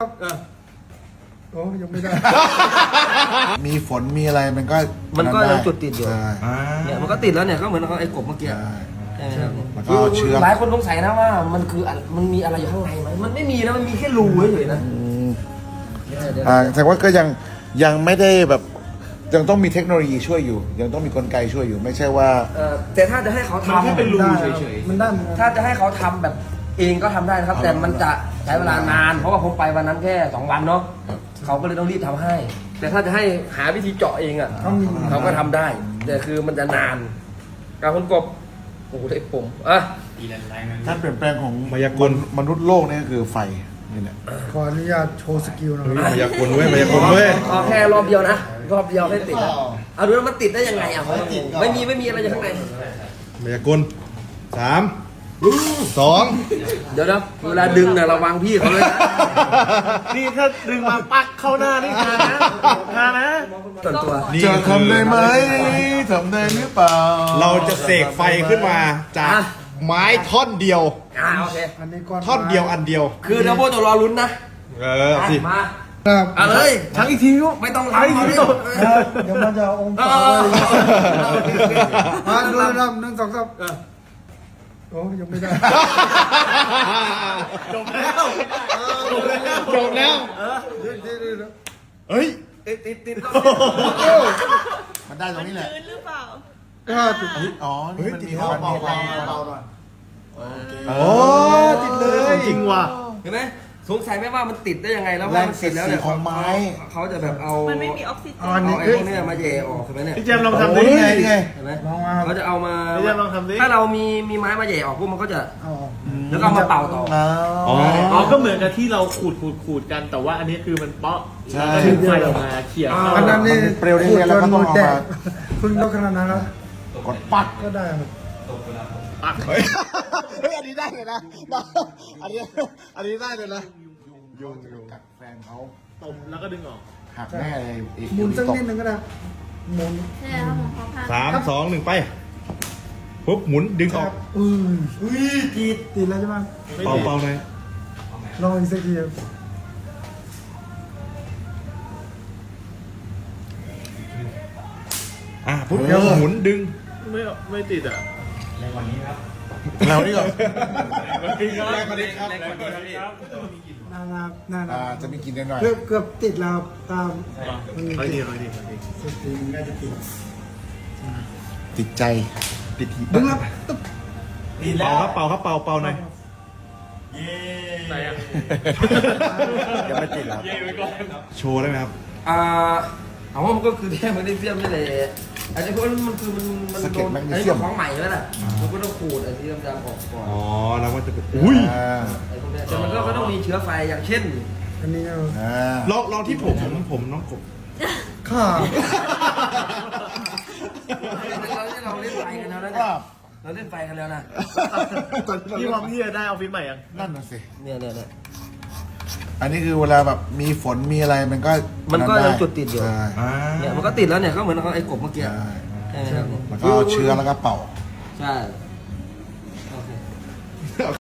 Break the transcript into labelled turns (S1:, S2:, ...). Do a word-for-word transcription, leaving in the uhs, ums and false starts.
S1: โอ้ยังไม่ได้
S2: มีฝนมีอะไรมันก็
S3: มันก็ยังจุดติดอยู่
S2: ใช่
S3: เนี่ยมันก็ติดแล้วเนี่ยก็เหมือนไอ้กบเมื่อกี้
S2: ใช่
S3: ใช่ไหมครับ
S2: แล้วก็เชื้อ
S3: หลายคนสงสัยนะว่ามันคืออะไรมันมีอะไรอยู่ข้างในไหมมันไม่มีนะมันมีแค่รูเฉยๆนะ
S2: อ่าแต่ว่าก็ยังยังไม่ได้แบบยังต้องมีเทคโนโลยีช่วยอยู่ ยังต้องมีกลไกช่วยอยู่ ไม่ใช่ว่า
S3: เออแต่ถ้าจะให้เขาทำ
S1: มันได้มันได้เหมือนกัน
S3: ถ้าจะให้เขาทำแบบเองก็ทำได้นะครับ แต่มันจะใช้เวลานาน เพราะว่าผมไปวันนั้นแค่สองวันเนาะเขาก็เลยต้องรีบทำให้ แต่ถ้าจะให้หาวิธีเจาะเองอ่ะ
S1: ต้องมี
S3: เขาก็ทำได้ แต่คือมันจะนานการคนกบโอ้โหเล็กผมอ่ะ
S2: การเปลี่ยนแปลงของมายากลมนุษย์โลกนี่ก็คือไฟนี่แหละ
S1: ขออนุญาตโชว์สกิลหน่อย
S4: มายากลเว้ยมายากลเว้ย
S3: ขอแค่รอบเดียวนะรอบเดียวให้ติดนะเอาดูว่ามันติดได้ยังไงอ่ะไม่มีไม่มีอะไรอยู่ข้างใน
S4: มายากลสามสอง
S3: เดี๋ยวนะเวลาดึงเนี่ยระวังพี่เขาเลยนะ
S5: นี่ถ้าดึงมาปักเข้าหน้านี่ฮานะฮานะ
S3: ส่วนตัว
S4: นี่
S2: จะทำได้ไหมทำได้หรือเปล่า
S4: เราจะเสกไฟขึ้นมาจากไม้ท่อนเดียว
S3: อ่าโอเค
S1: อันนี้ก้อน
S4: ท่อนเดียวอันเดียว
S3: คือเดี๋ยวโบจะรอลุ้นนะ
S4: เออเอาสิ
S3: มา
S1: ครับ
S3: เอาเลย
S1: ทั้งอีกทีลูก
S3: ไม่ต้องรับเอาดิ
S1: เดี๋ยวมันจะเอาองค์
S3: เอ
S1: ศา
S3: อ
S1: ไว้
S3: เออโอเคโอเค
S1: มาดูนะหนึ่งสองสามโอ้ยังไม่ได้
S5: จบแล้วจบแล้ว
S4: จบแล้ว
S1: เดี๋ยวเดี๋ยวเดี๋ยว
S4: เฮ้ย
S3: ติดติดติด
S2: มันได้ตรงนี้แหละ
S6: ชื้นหรือเปล่า
S1: ก็ติด
S2: อ๋อนี่มันมีความเบาๆเบาๆหน่อย
S4: โอ้ติดเลย
S5: จริงว่ะ
S3: เห็นไหมสงสัยไหมว่ามันติดได้ยังไงแล้ว
S2: แร
S3: ว่าง มัน
S2: เสี
S3: ติ
S2: ย
S3: ดแล้ว
S2: ดสี
S3: เนี่ย
S2: ของไม้
S3: เขาจะแบบเอา
S6: มันไม่มีออกซิเจน
S1: อันนี้
S3: เอาไอ้
S1: คือ
S3: พวกเนี้ยมาแย่ออกใช่ไหมเนี่ย
S5: พี่แจมลองทำ
S2: โอ้
S5: ดิ
S2: นี่ไงนี่ไง
S3: เห็นไหม
S1: ลองมา
S3: เขาจะเอามา
S5: พี่แจมลองทำดิ
S3: ถ้าเรามีมีไม้มาแย่ออกพวกมันก็จะ
S1: เอาออก
S3: แล้วก็เอามาเป่าต่อ
S2: อ๋อ
S4: อ๋อ
S5: อ๋อก็เหมือนกับที่เราขูดขูดขูดกัน แต่ว่าอันนี้คือมันเปาะ
S2: ใช่
S5: แล้วก็ดึงไฟออกมาเขี่ยเข้า
S1: อันนั้นนี่
S2: มันเปรี้ยวได้ไงแล้วก็ต้องเอามา
S1: คุณยกขนาดนั้นแล้ว
S2: กดปัก
S1: ก็ได้ครับ
S5: ปัก
S4: เฮ้ยเฮ้ยอันนี้ได้เลยนะอันนี้อันนี้ได้เลยนะ
S2: ยุงยุงกัดแฟนเขา
S5: ตบแล้วก็ดึงออก
S2: หักแน่เลยอีก
S1: หมุนสักนิดนึงก็ได้หมุน
S6: ใช่ครับผมเขาพา
S4: สามสองหนึ่งไปปุ๊บหมุนดึงออก
S1: อือ
S3: อุ้ยติด
S1: ติดแล้วใช่ไหม
S4: เป่าเป่าหน่อย
S1: ลองอีกสักทีครับ
S4: อ่ะปุ๊บหมุนดึง
S5: ไม่ไม่ติดอ่ะ
S2: เรานี่ก่อน
S1: น่ารักน่ารั
S2: อ่าก จะมีกลินหน่อย
S1: เกือบเกือบติดแล้วตาม
S5: ค่อยดีค่อยดีค่อยดี
S1: สุดทีมันน่าจะติด
S2: ๆติดใจติดที
S1: ดึงแล้วตึ๊บ
S4: เป่าครับเป่าครับเป่าเป่าหน่อย
S5: ไหนอ่ะ
S2: ยังไม่ติดหรอ
S4: โชว์ได้ไหมครับ
S3: อ่าเอาว่ามันก็คือแค่แมกนีเซียมนี่แหละอันนี้เพราะมันคือมันมันโดนไอ้ของใหม่ใช่ไหมล่ะมันก็ต้องขูดไอ้ที่ดำๆออกก่อน
S4: อ๋อแล้วมันจะเป็นอุ้ย
S2: อ่า
S3: ไอ้พวกเนี้ยแต่มันก็ก็ต้องมีเชื้อไฟอย่างเช่น
S1: อันนี้เอา
S2: อ่า
S4: ลองลองที่ผมผมน้องกบ
S1: ข้า
S3: เราเราเล่นไฟกันแล้วนะ
S2: ว่า
S3: เราเล่นไฟกันแล้วนะ
S5: พี่พร้อมที่จะได้ออฟฟิศใหม่ยัง
S2: นั่นน่ะสิ
S3: เนี่ยเนี่ยเนี่ย
S2: อันนี้คือเวลาแบบมีฝนมีอะไรมันก็
S3: มันก็
S2: ได้
S3: ยังจุดติดอยู่
S2: ใช่
S3: เนี่ยมันก็ติดแล้วเนี่ยก็เหมือนไอ้กบเมื่อกี้
S2: ใช่
S3: ใช่ไหมครับ
S2: แล้วก็เอาเชื้อแล้วก็เป่า
S3: ใช่